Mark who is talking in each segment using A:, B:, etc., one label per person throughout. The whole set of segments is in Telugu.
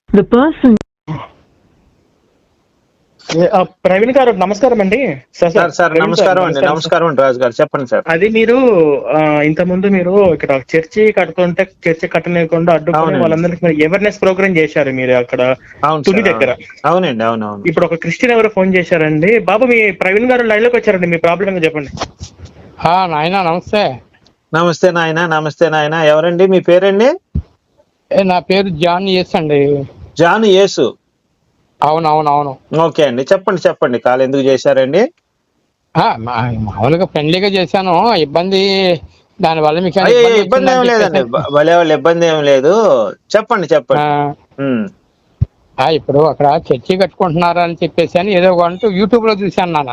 A: The person.
B: ప్రవీణ్ గారు నమస్కారం అండి.
C: సార్ నమస్కారం అండి. నమస్కారం అండి రాజు గారు, చెప్పండి సార్.
B: అది మీరు ఇంత ముందు మీరు ఇక్కడ చర్చి కడుతుంటే చర్చి కట్టలేకుండా అడ్డుకుని వాళ్ళందరికీ అవేర్నెస్ ప్రోగ్రామ్ చేశారు మీరు అక్కడ తుని దగ్గర.
C: అవునండి, అవునవును.
B: ఇప్పుడు ఒక క్రిస్టియన్ ఎవరో ఫోన్ చేశారండి. బాబు మీ ప్రవీణ్ గారు లైవ్ లోకి వచ్చారండి, మీ ప్రాబ్లం చెప్పండి.
D: నాయనా నమస్తే.
C: నమస్తే నాయన, నమస్తే నాయన. ఎవరండి మీ పేరండి?
D: నా పేరు జాన్ యేసు అండి.
C: జాన్ యేసు?
D: అవునవునవును.
C: ఓకే అండి, చెప్పండి చెప్పండి. కాల్ ఎందుకు చేశారండి?
D: మామూలుగా ఫ్రెండ్లీగా చేశాను. ఇబ్బంది దానివల్ల మీకు
C: ఇబ్బంది ఏం లేదండి, భలే వాళ్ళు ఇబ్బంది ఏం లేదు. చెప్పండి చెప్పండి.
D: ఇప్పుడు అక్కడ చర్చి కట్టుకుంటున్నారు అని చెప్పేసి అని ఏదో అంటూ యూట్యూబ్ లో చూశాను నాన్న.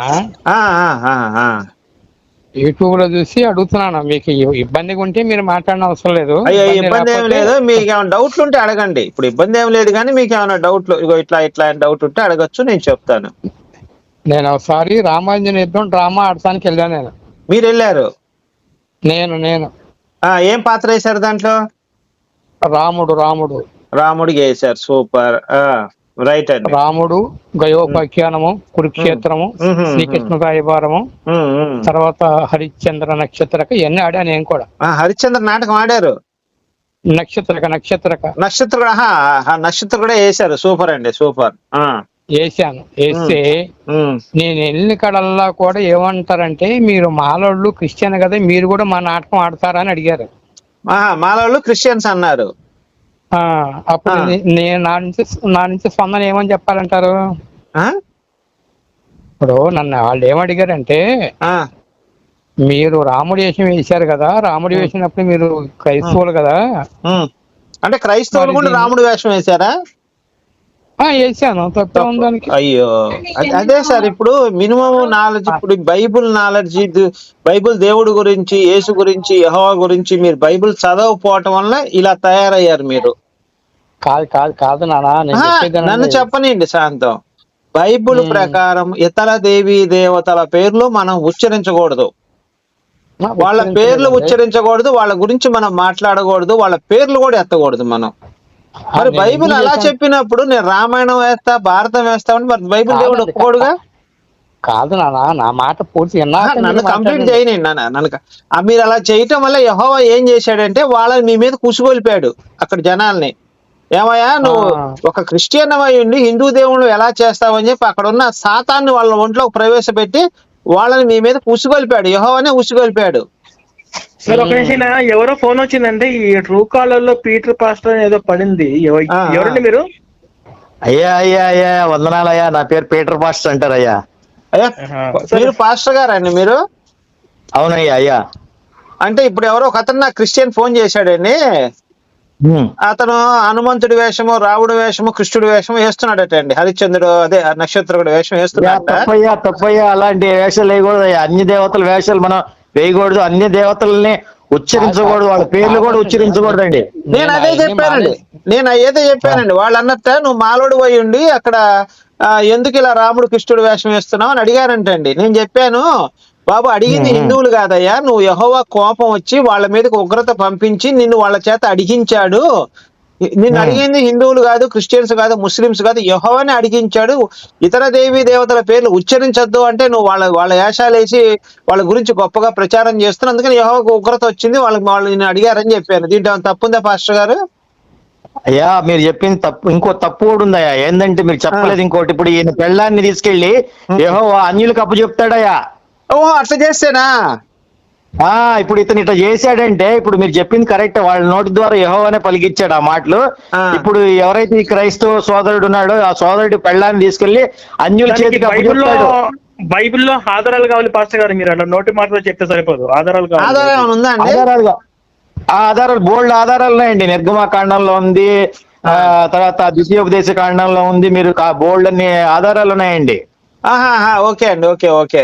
D: యూట్యూబ్ లో చూసి అడుగుతున్నాను. మీకు ఇబ్బందిగా ఉంటే మీరు మాట్లాడిన అవసరం లేదు.
C: ఇబ్బంది ఏం లేదు. మీకు ఏమైనా డౌట్లు ఉంటే అడగండి. ఇప్పుడు ఇబ్బంది ఏం లేదు, కానీ మీకు ఏమైనా డౌట్లు ఇట్లా ఇట్లా డౌట్ ఉంటే అడగచ్చు, నేను చెప్తాను.
D: నేను ఒకసారి రామాంజన యుద్ధం డ్రామా ఆడటానికి వెళ్ళాను.
C: మీరు వెళ్ళారు?
D: నేను
C: ఏం పాత్ర వేశారు దాంట్లో? రాముడు వేశారు. సూపర్. రైట్ అండి.
D: రాముడు, గయోపాఖ్యానము, కురుక్షేత్రము, శ్రీకృష్ణ రాయబారము, తర్వాత హరిశ్చంద్ర నక్షత్రక ఇవన్నీ ఆడా. నేను కూడా
C: హరిశ్చంద్ర నాటకం ఆడారు.
D: నక్షత్ర
C: కూడా వేశారు. సూపర్ అండి, సూపర్.
D: వేసాను. వేస్తే నేను వెళ్ళిన కడల్లా కూడా ఏమంటారంటే, మీరు మాలోళ్ళు క్రిస్టియన్ కదా, మీరు కూడా మా నాటకం ఆడతారా అని అడిగారు.
C: మాలోళ్ళు క్రిస్టియన్స్ అన్నారు.
D: అప్పుడు నేను నా నుంచి స్పందన ఏమని చెప్పాలంటారు? ఇప్పుడు నన్ను వాళ్ళు ఏమడిగారంటే, మీరు రాముడి వేషం వేశారు కదా, రాముడి వేసినప్పుడు మీరు క్రైస్తవులు కదా.
C: అంటే క్రైస్తవులు కూడా రాముడి వేషం వేశారా?
D: వేసాను. తప్పే ఉందానికి.
C: అయ్యో, అదే సార్. ఇప్పుడు మినిమం నాలెడ్జ్, ఇప్పుడు బైబుల్ నాలెడ్జ్, బైబుల్ దేవుడి గురించి, యేసు గురించి, యెహోవా గురించి మీరు బైబుల్ చదవకపోవటం వల్ల ఇలా తయారయ్యారు మీరు.
D: కాదు నాన్న,
C: నన్ను చెప్పనండి శాంతం. బైబుల్ ప్రకారం ఇతర దేవీ దేవతల పేర్లు మనం ఉచ్చరించకూడదు, వాళ్ళ పేర్లు ఉచ్చరించకూడదు, వాళ్ళ గురించి మనం మాట్లాడకూడదు, వాళ్ళ పేర్లు కూడా ఎత్తకూడదు మనం. మరి బైబిల్ అలా చెప్పినప్పుడు నేను రామాయణం వేస్తా, భారతం వేస్తామని మరి బైబిల్ దేవుడు ఒప్పుకోడుగా?
D: కాదు నాన్న, నా మాట పూర్తి
C: నన్ను కంప్లీట్ చేయనండి. నన్ను మీరు అలా చేయటం వల్ల యెహోవా ఏం చేశాడంటే వాళ్ళని మీ మీద కుసుగొల్పాడు అక్కడ జనాల్ని. ఏమయ్యా, నువ్వు ఒక క్రిస్టియన్ అయి ఉండి హిందూ దేవుళ్ళు ఎలా చేస్తావని చెప్పి అక్కడ ఉన్న సాతాన్ని వాళ్ళ ఒంట్లోకి ప్రవేశపెట్టి వాళ్ళని మీ మీద ఉసుగొల్పాడు. యెహోవానే ఉసుగొల్పాడు.
B: సార్ ఒక నిమిషం, ఎవరో ఫోన్ వచ్చిందండి. ఈ ట్రూ కాలర్ లో పీటర్ పాస్టర్ ఏదో పడింది. ఎవరండి మీరు?
E: అయ్యా వందనాలయ్యా. నా పేరు పీటర్ పాస్టర్ అంటారయ్యా.
C: మీరు పాస్టర్ గారండి మీరు?
E: అవునయ్యా. అయ్యా
C: అంటే ఇప్పుడు ఎవరో ఒక అతను నాకు క్రిస్టియన్ ఫోన్ చేశాడండి. అతను హనుమంతుడి వేషము, రావుడి వేషము, కృష్ణుడి వేషము వేస్తున్నాడట అండి. హరిశ్చంద్రుడు అదే నక్షత్రుడు వేషం వేస్తున్నాడు.
E: తప్పయ్యా, అలాంటి వేషాలు వేయకూడదు. అన్ని దేవతల వేషాలు మనం వేయకూడదు. అన్ని దేవతల్ని ఉచ్చరించకూడదు, వాళ్ళ పేర్లు కూడా ఉచ్చరించకూడదండి.
C: నేను అదే చెప్పానండి. వాళ్ళు అన్నట్ట నువ్వు మాలోడు పోయి ఉండి అక్కడ ఎందుకు ఇలా రాముడు కృష్ణుడు వేషం వేస్తున్నావు అని అడిగారంటండి. నేను చెప్పాను, బాబు అడిగింది హిందువులు కాదయ్యా, నువ్వు యెహోవా కోపం వచ్చి వాళ్ళ మీదకి ఉగ్రత పంపించి నిన్ను వాళ్ళ చేత అడిగించాడు. నిన్ను అడిగింది హిందువులు కాదు, క్రిస్టియన్స్ కాదు, ముస్లిమ్స్ కాదు, యెహోవానే అడిగించాడు. ఇతర దేవీ దేవతల పేర్లు ఉచ్చరించొద్దు అంటే నువ్వు వాళ్ళ వేషాలు వేసి వాళ్ళ గురించి గొప్పగా ప్రచారం చేస్తున్నావు, అందుకని యెహోవాకు ఉగ్రత వచ్చింది, వాళ్ళు నిన్ను అడిగారని చెప్పాను. దీంట్లో తప్పుందా పాస్టర్ గారు?
E: అయ్యా, మీరు చెప్పింది తప్పు. ఇంకో తప్పు కూడా ఉందయ్యా. ఏంటంటే మీరు చెప్పలేదు ఇంకోటి. ఇప్పుడు ఈయన పెళ్ళాన్ని తీసుకెళ్లి యెహోవా అన్యులకు అప్పచెప్తాడయ్యా.
C: ఓహో, అట్లా చేస్తేనా?
E: ఇప్పుడు ఇతను ఇట్లా చేశాడంటే ఇప్పుడు మీరు చెప్పింది కరెక్ట్. వాళ్ళ నోటి ద్వారా యెహోవానే పలికిచ్చాడు ఆ మాటలు. ఇప్పుడు ఎవరైతే ఈ క్రైస్తవ సోదరుడు ఉన్నాడో ఆ సోదరుడి పెళ్ళాన్ని తీసుకెళ్లి అన్యుల చేతికి అప్పచెప్తాడు.
B: బైబిల్లో ఆధారాలు కావాలి పాస్టర్ గారు. మీరు అలా నోటి మాటలో చెప్తే సరిపోదు, ఆధారాలు కావాలి.
E: ఆధారాలు బోల్డ్ ఆధారాలు ఉన్నాయండి. నిర్గమకాండంలో ఉంది, తర్వాత ద్వితీయోపదేశ కాండంలో ఉంది. మీరు బోల్డ్ అన్ని ఆధారాలు ఉన్నాయండి.
C: ఓకే అండి, ఓకే.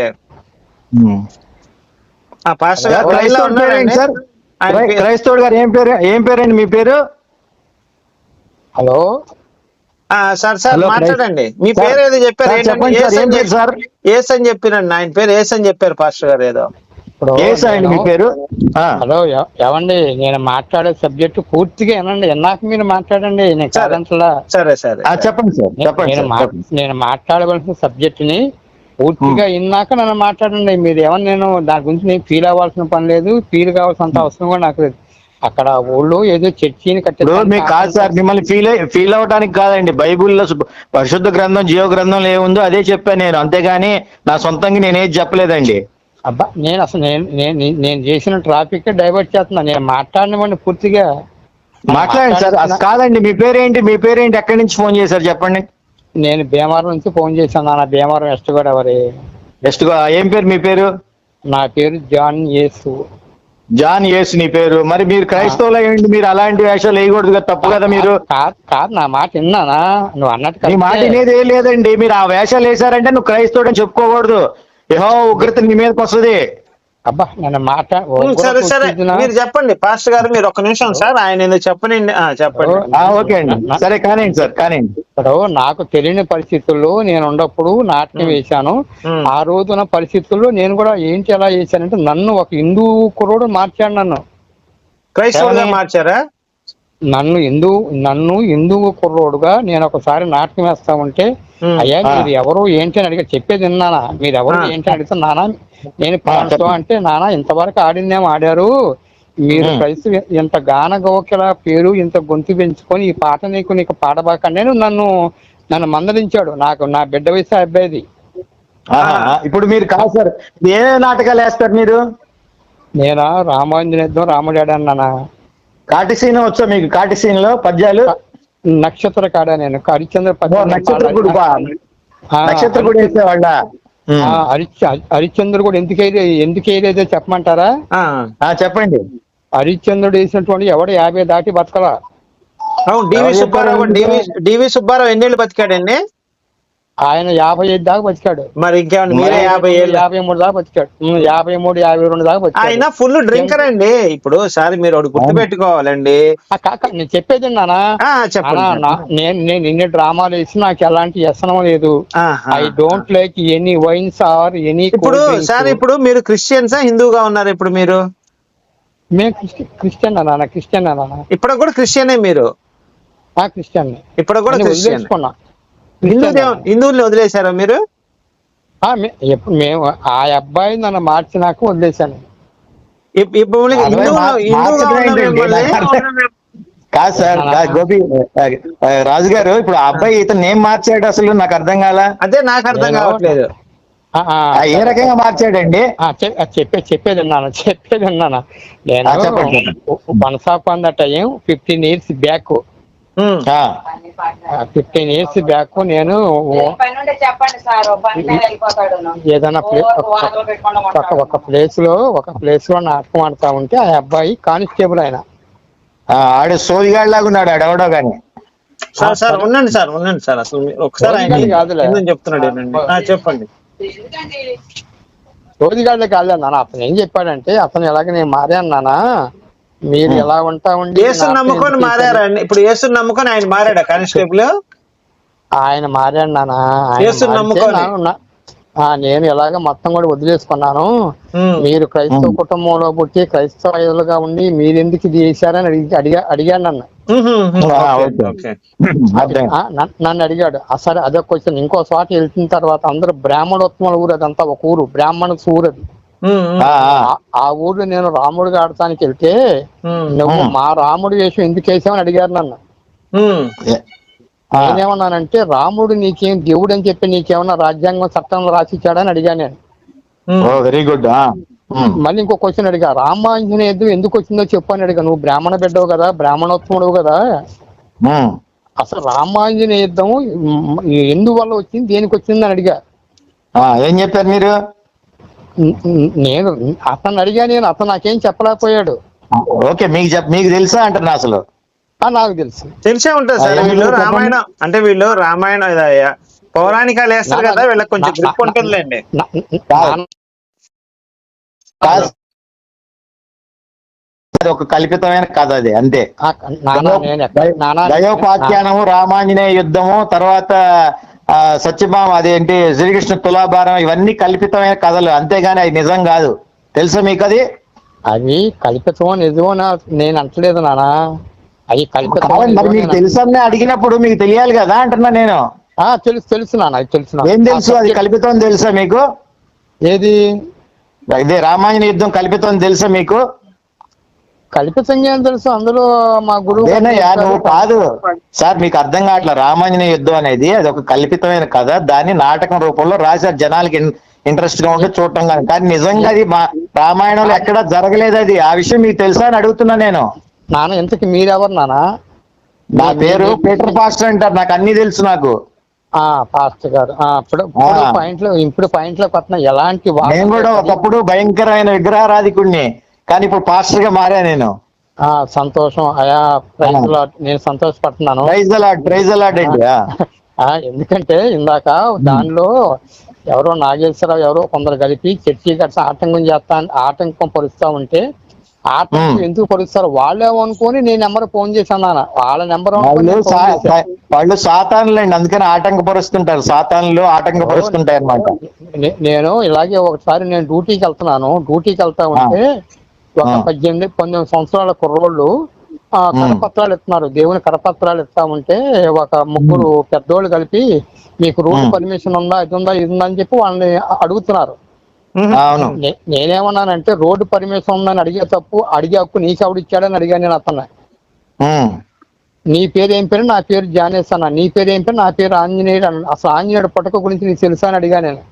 E: క్రైస్తవుడు గారు ఏం పేరండి మీ పేరు?
D: హలో
C: సార్ మాట్లాడండి. మీ పేరు ఏదో చెప్పారు,
E: ఏం పేరు సార్?
C: ఏస్ అని చెప్పినండి. ఆయన పేరు ఏస్ అని చెప్పారు పాస్టర్ గారు. ఏదో
E: యేసు అండి మీ పేరు?
D: హలో ఏమండి, నేను మాట్లాడే సబ్జెక్ట్ పూర్తిగా వినండి, విన్నాక మీరు మాట్లాడండి. నేను కాదంటలా.
C: సరే సరే
E: చెప్పండి సార్, చెప్పండి సార్.
D: నేను మాట్లాడవలసిన సబ్జెక్ట్ ని పూర్తిగా విన్నాక నన్ను మాట్లాడండి. మీరు ఏమన్నా నేను దాని గురించి నేను ఫీల్ అవ్వాల్సిన పని లేదు, ఫీల్ కావాల్సినంత అవసరం కూడా నాకు లేదు. అక్కడ ఊళ్ళో ఏదో చర్చిని
E: మీకు కాదు సార్, మిమ్మల్ని ఫీల్ అవడానికి కాదండి. బైబుల్లో పరిశుద్ధ గ్రంథం, జీవ గ్రంథంలో ఏముందో అదే చెప్పాను నేను, అంతేగాని నా సొంతంగా నేనేది చెప్పలేదండి.
D: అబ్బా, నేను అసలు నేను చేసిన ట్రాఫిక్ డైవర్ట్ చేస్తున్నా. నేను మాట్లాడినవాడిని పూర్తిగా
E: మాట్లాడండి సార్. అసలు కాదండి, మీ పేరేంటి? ఎక్కడి నుంచి ఫోన్ చేశారు చెప్పండి.
D: నేను భీమవరం నుంచి ఫోన్ చేశాను నాన్న. భీమవరం వెస్ట్ గోదావరి.
E: ఏం పేరు మీ పేరు?
D: నా పేరు జాన్ యేసు.
E: జాన్ యేసు నీ పేరు. మరి మీరు క్రైస్తవులు అయ్యండి, మీరు అలాంటి వేషాలు వేయకూడదు కదా, తప్పు కదా మీరు.
D: కాదు, నా మాట విన్నానా? నువ్వు అన్నట్టు
E: నీ మాట వినేది ఏం లేదండి. మీరు ఆ వేషాలు వేశారంటే నువ్వు క్రైస్తవుడు అని చెప్పుకోకూడదు. యెహోవా ఉగ్రత నీ మీదకి వస్తుంది.
D: అబ్బా, నన్ను
C: సరే సరే, మీరు చెప్పండి పాస్టర్ గారు. మీరు 1 నిమిషం సార్, ఆయన ఎందుకు చెప్పనండి. చెప్పండి.
E: ఓకే అండి, సరే కానివ్వండి సార్, కానివ్వండి.
D: ఇప్పుడు నాకు తెలియని పరిస్థితుల్లో నేను ఉన్నప్పుడు నాట్యం వేశాను. ఆ రోజున పరిస్థితుల్లో నేను కూడా ఏంటి ఎలా చేశానంటే, నన్ను ఒక హిందూ కుర్రోడు మార్చాడు. నన్ను
C: క్రైస్తవులుగా మార్చారా?
D: నన్ను హిందూ కుర్రోడుగా నేను ఒకసారి నాట్యం వేస్తా ఉంటే, అయ్యా మీరు ఎవరు ఏంటి అని అడిగా. చెప్పేది విన్నానా? మీరు ఎవరు ఏంటి అని అడిగితే, నానా నేను పాడుతూ అంటే, నానా ఇంతవరకు ఆడిందేమో ఆడారు, మీరు కలిసి ఇంత గాన గోకిల పేరు ఇంత గొంతు పెంచుకొని ఈ పాట నీకు పాడబాకండి అని నన్ను మందలించాడు. నా బిడ్డ వయసు అబ్బాయిది.
E: ఇప్పుడు మీరు కాదు సార్, ఏ నాటకాలు వేస్తారు మీరు?
D: నేనా రామాంజనేయుడు, రాముడాడు అన్నానా.
E: కాటిసీన్ వచ్చా మీకు? కాటిసీన్ లో పద్యాలు?
D: నక్షత్ర కాడా నేను హరిశ్చంద్ర
E: నక్షత్రకుడు వేసేవాళ్ళ?
D: హరిశ్చంద్రుడు కూడా ఎందుకు వేయలేదో చెప్పమంటారా?
E: చెప్పండి.
D: హరిశ్చంద్రుడు వేసినటువంటి ఎవడు 50 దాటి బతకలా.
C: అవును. డివి సుబ్బారావు ఎన్నేళ్ళు బతికాడండి?
D: ఆయన 55 దాకా బతికాడు.
C: మరి ఇంకేమన్నా మీరే
D: 53 దాకా బతికాడు. 53, 52 దాకా బతికాడు.
C: ఆయన ఫుల్ డ్రింకర్ అండి. ఇప్పుడు సార్ మీరు ఒకటి గుర్తు పెట్టుకోవాలండి.
D: నేను చెప్పేది నానా, నేను ఇన్ని డ్రామాలు వేసి నాకు ఎలాంటి వ్యసనం లేదు. I don't like any wines or any.
C: ఇప్పుడు సార్, ఇప్పుడు మీరు క్రిస్టియన్సా హిందూగా ఉన్నారు? ఇప్పుడు మీరు
D: మేము క్రిస్టియన్ నాన్న. క్రిస్టియన్ నాన్న.
C: ఇప్పుడు కూడా క్రిస్టియనే మీరు?
D: క్రిస్టియన్.
C: ఇప్పుడు కూడా క్రిస్టియన్. హిందువుల్ని వదిలేశారా మీరు?
D: మేము ఆ అబ్బాయి నన్ను మార్చినాక వదిలేశాను.
E: కాదు సార్, గోపి రాజు గారు, ఇప్పుడు ఆ అబ్బాయి ఇతను ఏం మార్చాడు అసలు నాకు అర్థం కాలా.
C: అదే నాకు అర్థం కావట్లేదు.
E: ఏ రకంగా మార్చాడండి?
D: చెప్పేది విన్నాను. నేను once upon the time 15 years back, 15 years back నేను ఏదైనా ఒక ప్లేస్ లో నాటకం ఆడుతా ఉంటే ఆ అబ్బాయి కానిస్టేబుల్ ఆయన
E: ఆడు సోదిగాడు లాగా ఉన్నాడు ఆడెవడో గాని.
C: సార్ ఉండండి సార్ అసలు ఒకసారి చెప్తున్నాడు. చెప్పండి.
D: సోదిగాడే కాదు నాన్న. అతను ఏం చెప్పాడంటే, అతను ఎలాగ నేను మారాను నాన్న, మీరు ఎలా ఉంటా ఉండి
C: యేసుని నమ్ముకొని మారారండి. ఇప్పుడు యేసుని నమ్ముకొని ఆయన మారాడా కానిస్టేబుల్?
D: ఆయన మారాడు నాన్న. నేను ఎలాగ మొత్తం కూడా వదిలేసుకున్నాను. మీరు క్రైస్తవ కుటుంబంలో పుట్టి క్రైస్తవులుగా ఉండి మీరెందుకు ఇది చేశారని అడిగాడు నన్ను. నన్ను అడిగాడు. సరే అదే క్వశ్చన్. ఇంకో చోట వెళ్తున్న తర్వాత అందరూ బ్రాహ్మణోత్తముల ఊరు, అదంతా ఒక ఊరు, బ్రాహ్మణస్ ఊరు అది. ఆ ఊర్లో నేను రాముడిగా ఆడటానికి వెళ్తే, నువ్వు మా రాముడి వేషం ఎందుకు వేసావని అడిగారు నన్ను. నేనేమన్నానంటే, రాముడు నీకేం దేవుడు అని చెప్పి నీకేమన్నా రాజ్యాంగం చట్టంలో రాసిచ్చాడని అడిగాను నేను.
E: Very good.
D: మళ్ళీ ఇంకో క్వశ్చన్ అడిగా, రామాంజనేయుడు ఎందుకు వచ్చిందో చెప్పు అని అడిగా. నువ్వు బ్రాహ్మణ బిడ్డవు కదా, బ్రాహ్మణోత్తముడు కదా, అసలు రామాంజనేయ యుద్ధం ఎందువల్ల వచ్చింది, దేనికి వచ్చింది అని అడిగా.
E: ఏం చెప్పారు మీరు?
D: నేను అతను అడిగా. అతను నాకేం చెప్పలేకపోయాడు.
E: ఓకే, మీకు తెలుసా అంటున్నా అసలు?
D: నాకు తెలిసే
C: ఉంటుంది సార్. వీళ్ళు రామాయణం పౌరాణికాలు వేస్తారు కదా, వీళ్ళకి కొంచెం గ్రిప్ ఉంటుందిలేండి.
E: ఒక కల్పితమైన కథ అది, అంతే. దయోపాఖ్యానము, రామాంజనేయ యుద్ధము, తర్వాత సత్యభామ, అదేంటి శ్రీకృష్ణ తులాభారం, ఇవన్నీ కల్పితమైన కథలు, అంతేగాని అది నిజం కాదు. తెలుసా మీకు అది?
D: అవి కల్పితమో నిజమో నేను అంటలేదు నానా, అవి కల్పితమో
E: మరి మీకు తెలుసని అడిగినప్పుడు మీకు తెలియాలి కదా అంటున్నా నేను.
D: తెలుసు నాన్న, అది తెలుసు.
E: ఏం తెలుసు? అది కల్పితం తెలుసా మీకు?
D: ఏది?
E: ఇదే రామాయణ యుద్ధం కల్పితం తెలుసా మీకు?
D: కల్పితంగా ఏం తెలుసు, అందులో మా గురువు
E: నువ్వు కాదు సార్, మీకు అర్థం కావట్లేదు. రామాంజనేయ యుద్ధం అనేది అది ఒక కల్పితమైన కథ, దాన్ని నాటకం రూపంలో రాశారు జనాలకి ఇంట్రెస్ట్ గా ఉంటే చూడటం కానీ. కానీ నిజంగా అది మా రామాయణంలో ఎక్కడా జరగలేదు అది. ఆ విషయం మీకు తెలుసా అని అడుగుతున్నా నేను.
D: నాన్న ఇంతకి మీరెవరు నాన్న?
E: నా పేరు పీటర్ పాస్టర్ అంటారు, నాకు అన్ని తెలుసు. నాకు
D: పాస్టర్ గారు ఇప్పుడు పాయింట్లోకి వస్తున్నా. ఎలాంటి
E: నేను కూడా ఒకప్పుడు భయంకరమైన విగ్రహారాధికుడిని, కానీ ఇప్పుడు పాస్టర్ గా మారా నేను.
D: సంతోషం అయా, నేను సంతోషపడుతున్నాను.
E: ప్రైజ్ అలాడ్ అండి.
D: ఎందుకంటే ఇందాక దానిలో ఎవరో నాగేశ్వరరావు ఎవరో కొందరు కలిపి చర్చి కట్ట ఆటంకం పరుస్తా ఉంటే, ఆటంకం ఎందుకు పరుస్తారు వాళ్ళేమనుకొని నేను నెంబర్ ఫోన్ చేశాను నాన్న. వాళ్ళ నెంబర్
E: వాళ్ళు సాతానులండి, అందుకని ఆటంకపరుస్తుంటారు. సాతానులు ఆటంకపరుస్తుంటాయి అన్నమాట.
D: నేను ఇలాగే ఒకసారి నేను డ్యూటీకి వెళ్తా ఉంటే ఒక 18-19 సంవత్సరాల కుర్రోళ్ళు కరపత్రాలు ఇస్తున్నారు, దేవుని కరపత్రాలు ఇస్తా ఉంటే ఒక ముగ్గురు పెద్దోళ్ళు కలిపి మీకు రోడ్డు పర్మిషన్ ఉందా, ఇది ఉందా అని చెప్పి వాళ్ళని అడుగుతున్నారు. నేనేమన్నానంటే రోడ్డు పర్మిషన్ ఉందని అడిగే హక్కు నీకెవడిచ్చాడని అడిగాను నేను అతను. నీ పేరు ఏం పేరు? నా పేరు జానేష్ అన్న. నీ పేరు ఏం పేరు? నా పేరు ఆంజనేయుడు అన్న. అసలు ఆంజనేయుడు పుట్టక గురించి నీకు తెలుసా అని అడిగా నేను.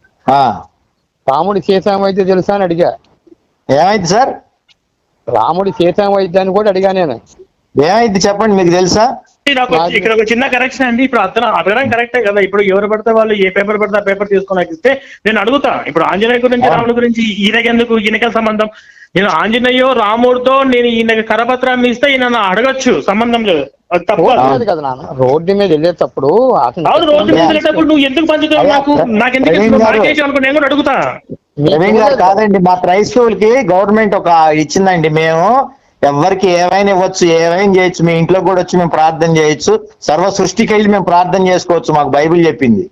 D: రాముడి సీతం వైద్య తెలుసా అని అడిగా.
E: ఏమైంది సార్?
D: రాముడి సీతం వైద్యాన్ని కూడా అడిగా నేను.
E: ఏమైంది చెప్పండి, మీకు తెలుసా?
B: ఇక్కడ ఒక చిన్న కరెక్షన్ అండి. ఇప్పుడు అతను అడగడం కరెక్టే కదా. ఇప్పుడు ఎవరు పడితే వాళ్ళు ఏ పేపర్ పడితే ఆ పేపర్ తీసుకొని ఇస్తే నేను అడుగుతా. ఇప్పుడు ఆంజనేయ గురించి రాముడి గురించి ఈయనకెందుకు, ఈయనకే సంబంధం? నేను ఆంజనేయ రాముడితో నేను ఈయన కరపత్రాన్ని ఇస్తే ఈయన అడగచ్చు, సంబంధం లేదు. తప్పు
D: కదా నాన్న. రోడ్డు మీద వెళ్ళేటప్పుడు
B: రోడ్డు మీద వెళ్ళేటప్పుడు నువ్వు ఎందుకు పంచుతావు? నాకెందుకు అనుకో, నేను కూడా అడుగుతా.
E: కాదండి, మా క్రైస్తవులకి గవర్నమెంట్ ఒక ఇచ్చిందండి. మేము ఎవరికి ఏమైనా ఇవ్వచ్చు, ఏమైనా చేయొచ్చు. మీ ఇంట్లో కూడా వచ్చి మేము ప్రార్థన చేయొచ్చు. సర్వ సృష్టికి వెళ్ళి మేము ప్రార్థన చేసుకోవచ్చు, మాకు బైబిల్ చెప్పింది.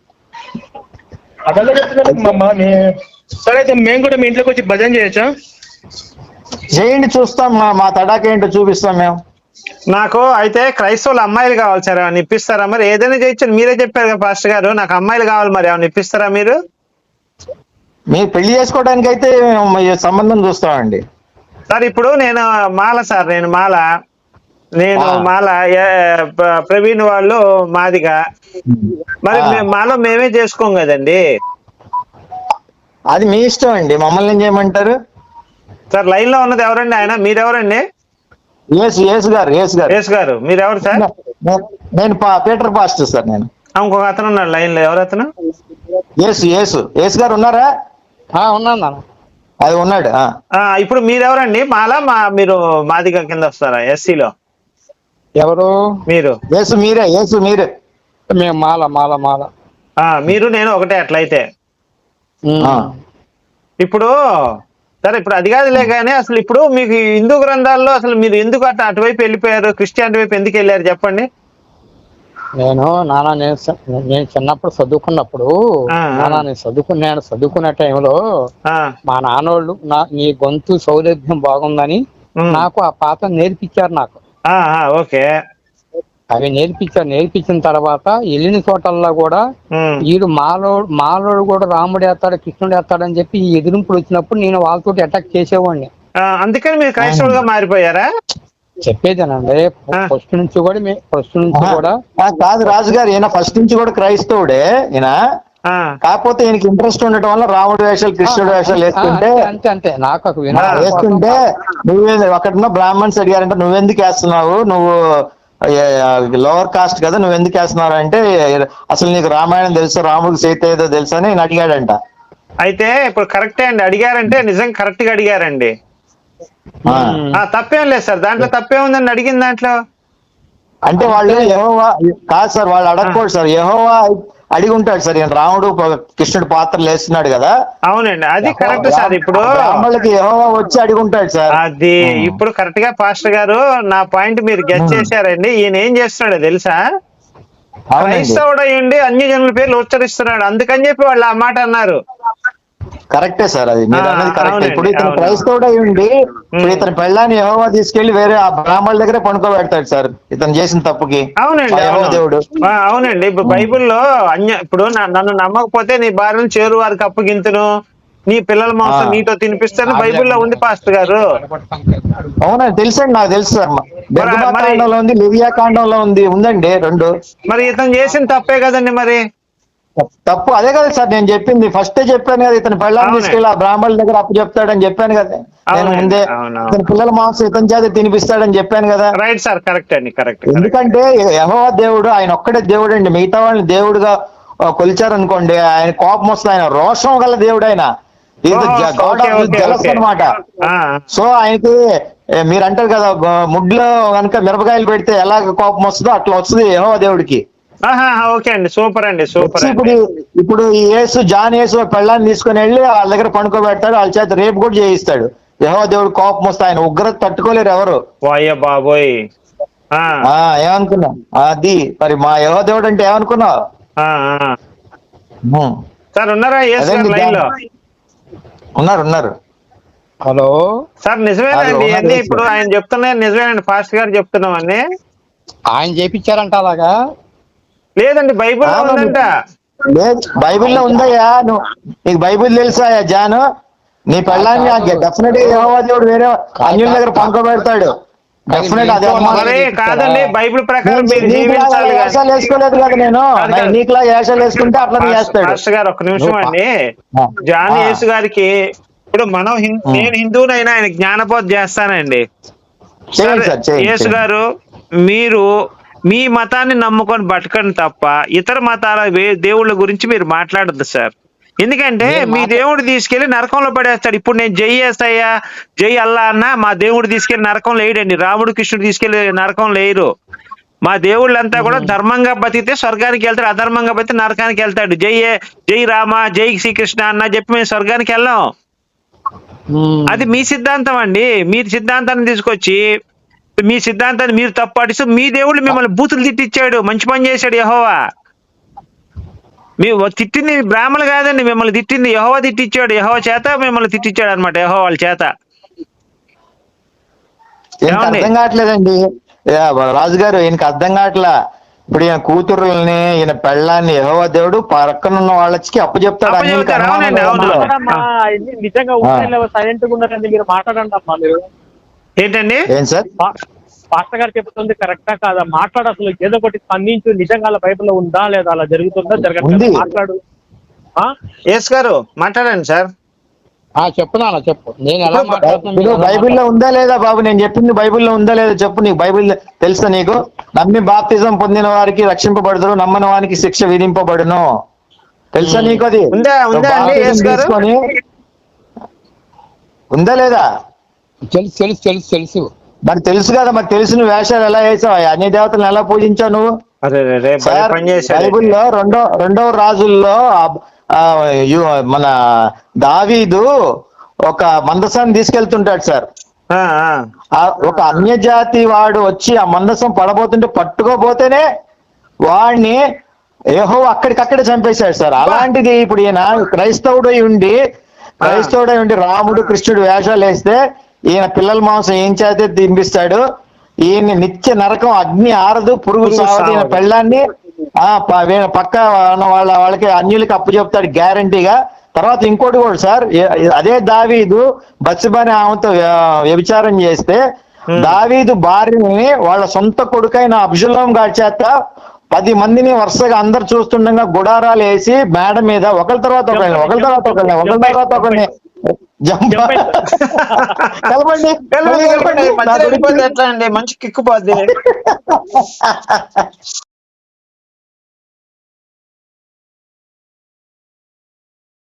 B: సరే మేము కూడా మీ ఇంట్లోకి వచ్చి భజన చేయొచ్చా?
E: చేయండి, చూస్తాం. మా తడాకేంటో చూపిస్తాం మేము.
C: నాకు అయితే క్రైస్తవులు అమ్మాయిలు కావాలి సార్, ఏమైనా ఇప్పిస్తారా? మరి ఏదైనా చేయొచ్చు, మీరే చెప్పారు కదా పాస్టర్ గారు, నాకు అమ్మాయిలు కావాలి, మరి ఏమైనా ఇప్పిస్తారా మీరు?
E: మీరు పెళ్లి చేసుకోవడానికి అయితే సంబంధం చూస్తామండి
C: సార్. ఇప్పుడు నేను మాల ప్రవీణ్ వాళ్ళు మాదిగా, మరి మాలో మేమే చేసుకోం కదండి.
E: అది మీ ఇష్టం అండి, మమ్మల్ని ఏం చేయమంటారు?
C: సార్ లైన్ లో ఉన్నది ఎవరండి? ఆయన మీరెవరండి?
E: యేసు గారు.
C: మీరెవరు సార్?
E: నేను పీటర్ పాస్టర్ సార్. నేను
C: ఇంకొక అతను ఉన్నాడు లైన్ లో, ఎవరు అతను?
E: యేసు గారు ఉన్నారా?
D: ఉన్నాను.
E: అది ఉన్నాడు.
C: ఇప్పుడు మీరెవరండి? మీరు మాదిగా కింద వస్తారా ఎస్సీలో?
D: ఎవరు
C: మీరు?
E: యేసు మీరే.
D: మేము మాల.
C: మీరు నేను ఒకటే అట్లయితే. ఇప్పుడు సరే, ఇప్పుడు అది కాదులే కానీ అసలు ఇప్పుడు మీకు హిందూ గ్రంథాల్లో అసలు మీరు ఎందుకు అటువైపు వెళ్ళిపోయారు? క్రిస్టియానిటీ వైపు ఎందుకు వెళ్ళారు చెప్పండి.
D: నేను చిన్నప్పుడు చదువుకున్నప్పుడు నేను చదువుకునే టైంలో మా నాన్నోళ్ళు నీ గొంతు సౌలభ్యం బాగుందని నాకు ఆ పాట నేర్పించారు. నాకు
C: ఓకే,
D: అవి నేర్పించిన తర్వాత వెళ్ళిన చోటల్లో కూడా వీడు మాలోడు కూడా రాముడు వేస్తాడు, కృష్ణుడు వేస్తాడు అని చెప్పి ఈ ఎదిరింపులు వచ్చినప్పుడు నేను వాళ్ళతో అటాక్ చేసేవాడిని.
C: అందుకని మీరు క్రైస్తవులుగా మారిపోయారా?
D: చెప్పేదేనండి, ఫస్ట్ నుంచి కూడా
E: కాదు రాజుగారు, ఈయన ఫస్ట్ నుంచి కూడా క్రైస్తవుడే ఈయన. కాకపోతే ఈయనకి ఇంట్రెస్ట్ ఉండటం వల్ల రాముడు వేషాలు, కృష్ణుడు వేషాలు
D: అంతే నాకు
E: వేస్తుంటే అక్కడ బ్రాహ్మణ్స్ అడిగారంటే నువ్వెందుకు వేస్తున్నావు, నువ్వు లోవర్ కాస్ట్ కదా, నువ్వు ఎందుకు వేస్తున్నావు అంటే అసలు నీకు రామాయణం తెలుసా, రాముడికి సీత ఏదో తెలుసా అని నేను అడిగాడంట.
C: అయితే ఇప్పుడు కరెక్టే అండి, అడిగారంటే నిజంగా కరెక్ట్ గా అడిగారండి. తప్పేం లేదు సార్, దాంట్లో తప్పేం ఉందని అడిగిన దాంట్లో.
E: అంటే వాళ్ళు యెహోవా కాదు సార్, వాళ్ళు అడగకూడదు సార్. యెహోవా అడిగి ఉంటాడు సార్, రాముడు కృష్ణుడు పాత్రలు వేస్తున్నాడు కదా.
C: అవునండి, అది కరెక్ట్ సార్. ఇప్పుడు
E: బ్రాహ్మణులకి యెహోవా వచ్చి అడిగి ఉంటాడు సార్.
C: అది ఇప్పుడు కరెక్ట్ గా పాస్టర్ గారు నా పాయింట్ మీరు గెస్ చేశారండి. ఈయన ఏం చేస్తున్నాడో తెలుసా? క్రైస్తవుడు అయ్యండి అన్య జనుల పేర్లు ఉచ్చరిస్తున్నాడు, అందుకని చెప్పి వాళ్ళు ఆ మాట అన్నారు.
E: కరెక్టే సార్, అది మీరు అన్నది కరెక్టే.
A: అవునండి,
E: ఇప్పుడు ఇతను
A: అవును.
E: క్రైస్తవుడై ఉండి ఇప్పుడు ఇతని పెళ్ళాన్ని యెహోవా తీసుకెళ్లి వేరే ఆ బ్రాహ్మణుల దగ్గరే పడుకోబెడతాడు సార్ ఇతను చేసిన తప్పుకి.
A: అవునండి,
E: ఆ యెహోవా
A: అవును.
E: దేవుడు.
A: అవునండి. ఇప్పుడు బైబిల్లో ఇప్పుడు నన్ను నమ్మకపోతే నీ భార్యను చేరు వారికి అప్పగింతును, నీ పిల్లల మాంసం నీతో తినిపిస్తాను బైబిల్లో ఉంది పాస్టర్ గారు.
E: అవునండి, తెలుసండి, నాకు తెలుసు సార్.
A: మరి
E: కాండంలో ఉంది, లివియా కాండంలో ఉందండి రెండు.
A: మరి ఇతను చేసిన తప్పే కదండి మరి.
E: తప్పు అదే కదా సార్ నేను చెప్పింది, ఫస్టే చెప్పాను కదా, ఇతని పెళ్ళాన్ని
A: అవునండి.
E: తీసుకెళ్ళి ఆ బ్రాహ్మణుల దగ్గర అప్పు చెప్తాడని చెప్పాను కదా నేను
A: అవునండి,
E: ముందే.
A: అవునవును.
E: ఇతని పిల్లల మాంసం ఇతని చేత తినిపిస్తాడని చెప్పాను కదా.
A: రైట్ సార్, కరెక్ట్ అండి, కరెక్ట్.
E: ఎందుకంటే యెహోవా దేవుడు ఆయన ఒక్కడే దేవుడు అండి, మిగతా వాళ్ళని దేవుడుగా కొలిచారనుకోండి ఆయన కోపం వస్తుంది. ఆయన రోషం గల దేవుడు, ఆయన ఈజ్ గాడ్ ఆఫ్ జెలస్ అన్నమాట. సో ఆయనకి మీరు అంటారు కదా ముడ్లో కనుక మిరపకాయలు పెడితే ఎలా కోపం వస్తుందో అట్లా వస్తుంది యెహోవా దేవుడికి.
A: ఓకే అండి, సూపర్ అండి, సూపర్ అండి.
E: ఇప్పుడు ఈ జాన్ యేసు పెళ్ళాన్ని తీసుకుని వెళ్ళి వాళ్ళ దగ్గర పడుకోబెడతాడు, వాళ్ళ చేత రేపు కూడా చేయిస్తాడు. యెహోవా దేవుడు కోపం వస్తే ఆయన ఉగ్రత తట్టుకోలేరు ఎవరు.
A: వాయ్య బాబోయ్.
E: ఏమనుకున్నావు అది మరి మా యెహోవా దేవుడు అంటే ఏమనుకున్నావు.
A: సార్ ఉన్నారా లైన్ లో?
E: ఉన్నారు.
D: హలో
A: సార్ నిజమేనండి అన్ని ఇప్పుడు ఆయన చెప్తున్నాయి నిజమేనండి, ఫాస్ట్ గారు చెప్తున్నామని.
D: ఆయన చేపించారంట అలాగా?
A: లేదండి, బైబిల్లో ఉందంట.
E: లేదు, బైబిల్లో ఉందయ్యా. నీకు బైబిల్ తెలుసా జాను? నీ పెళ్ళాన్ని డెఫినెట్ గా యెహోవా దేవుడు వేరే అన్యుల దగ్గర పండుకోబెడతాడు. డెఫినెట్ అదే.
A: మరి కాదండి, బైబిల్ ప్రకారం మీరు
E: నీకులాగా వేషాలు వేసుకోలేదు కదా నేను, నీకులాగా వేషాలు వేసుకుంటే అట్లా చేస్తాడు.
A: పాస్టర్ గారు ఒక్క నిమిషం అండి. జాన్ యేసు గారికి ఇప్పుడు మనం నేను హిందువునైనా ఆయన జ్ఞానబోధ చేస్తానండి. యేసు గారు, మీరు మీ మతాన్ని నమ్ముకొని బతకండి తప్ప ఇతర మతాల దేవుళ్ళ గురించి మీరు మాట్లాడద్దు సార్. ఎందుకంటే మీ దేవుడు తీసుకెళ్లి నరకంలో పడేస్తాడు. ఇప్పుడు నేను జై యేసయ్యా జై అల్లా అన్న మా దేవుడు తీసుకెళ్లి నరకంలో వేయడండి. రాముడు కృష్ణుడు తీసుకెళ్లి నరకంలో వేయరు. మా దేవుళ్ళంతా కూడా ధర్మంగా బతికితే స్వర్గానికి వెళ్తాడు, అధర్మంగా బతికితే నరకానికి వెళ్తాడు. జై రామ జై శ్రీకృష్ణ అన్న చెప్పి మేము స్వర్గానికి వెళ్ళాం. అది మీ సిద్ధాంతం అండి. మీరు సిద్ధాంతాన్ని తీసుకొచ్చి మీ సిద్ధాంతాన్ని మీరు తప్పాటిస్తూ మీ దేవుళ్ళు మిమ్మల్ని బూతులు తిట్టించాడు. మంచి పని చేశాడు యెహోవా. మీ తిట్టింది బ్రాహ్మణులు కాదండి, మిమ్మల్ని తిట్టింది యెహోవా తిట్టించాడు. యెహోవా చేత మిమ్మల్ని తిట్టించాడు అనమాట, యెహోవా వాళ్ళ చేత.
E: అర్థం కావట్లేదండి రాజుగారు, ఈయనకి అర్థం కావట్లా. ఇప్పుడు ఈయన కూతురుల్ని ఈయన పెళ్ళాన్ని యెహోవా దేవుడు పక్కనున్న వాళ్ళకి అప్పు చెప్తాడు.
B: నిజంగా సైలెంట్ గా ఉన్నారండి, మీరు మాట్లాడండి అమ్మా. మీరు
A: ఏంటండి
E: ఏం సార్
B: పాస్టర్ గారు చెప్తుంది కరెక్టా కాదా మాట్లాడు. అసలు ఏదో ఒకటి స్పందించు. నిజంగా బైబిల్లో ఉందా లేదా, అలా జరుగుతుందా జరగదు మాట్లాడు.
A: యేసు గారు మాట్లాడండి సార్.
D: చెప్పునా చెప్పు. నేను ఎలా మాట్లాడుతున్నా
E: బైబిల్లో ఉందా లేదా బాబు? నేను చెప్పింది బైబిల్లో ఉందా లేదా చెప్పు. నీకు బైబిల్ తెలుసా? నీకు నమ్మి బాప్తిజం పొందిన వారికి రక్షింపబడతారు, నమ్మని వారికి శిక్ష విధింపబడును. తెలుసా నీకు? అది తీసుకొని ఉందా లేదా?
D: తెలుసు.
E: మరి తెలుసు కదా, మరి తెలిసిన వేషాలు ఎలా వేసావు? అన్ని దేవతలను ఎలా పూజించావు నువ్వు? బైబిల్లో రెండవ రాజుల్లో మన దావీదు ఒక మందసాన్ని తీసుకెళ్తుంటాడు సార్. ఒక అన్యజాతి వాడు వచ్చి ఆ మందసం పడబోతుంటే పట్టుకోపోతేనే వాడిని యెహోవా అక్కడికక్కడే చంపేశాడు సార్. అలాంటిది ఇప్పుడు ఈయన క్రైస్తవుడై ఉండి రాముడు కృష్ణుడు వేషాలు వేస్తే ఈయన పిల్లల మాంసం ఏం చేతే తినిపిస్తాడు. ఈయన నిత్య నరకం, అగ్ని ఆరదు, పురుగు సావదు. ఈయన పెళ్ళాన్ని పక్క వాళ్ళకి అన్యులకి అప్పు చెప్తాడు గ్యారంటీగా. తర్వాత ఇంకోటి కూడా సార్, అదే దావీదు బత్షెబని ఆమెతో వ్యభిచారం చేస్తే దావీదు భార్యని వాళ్ళ సొంత కొడుకైన అబ్షలోము గారి చేత 10 మందిని వరుసగా అందరు చూస్తుండగా గుడారాలు వేసి మేడ మీద ఒకరి తర్వాత ఒకరిని
A: ఎట్లా అండి, మంచి కిక్కుపోద్ది.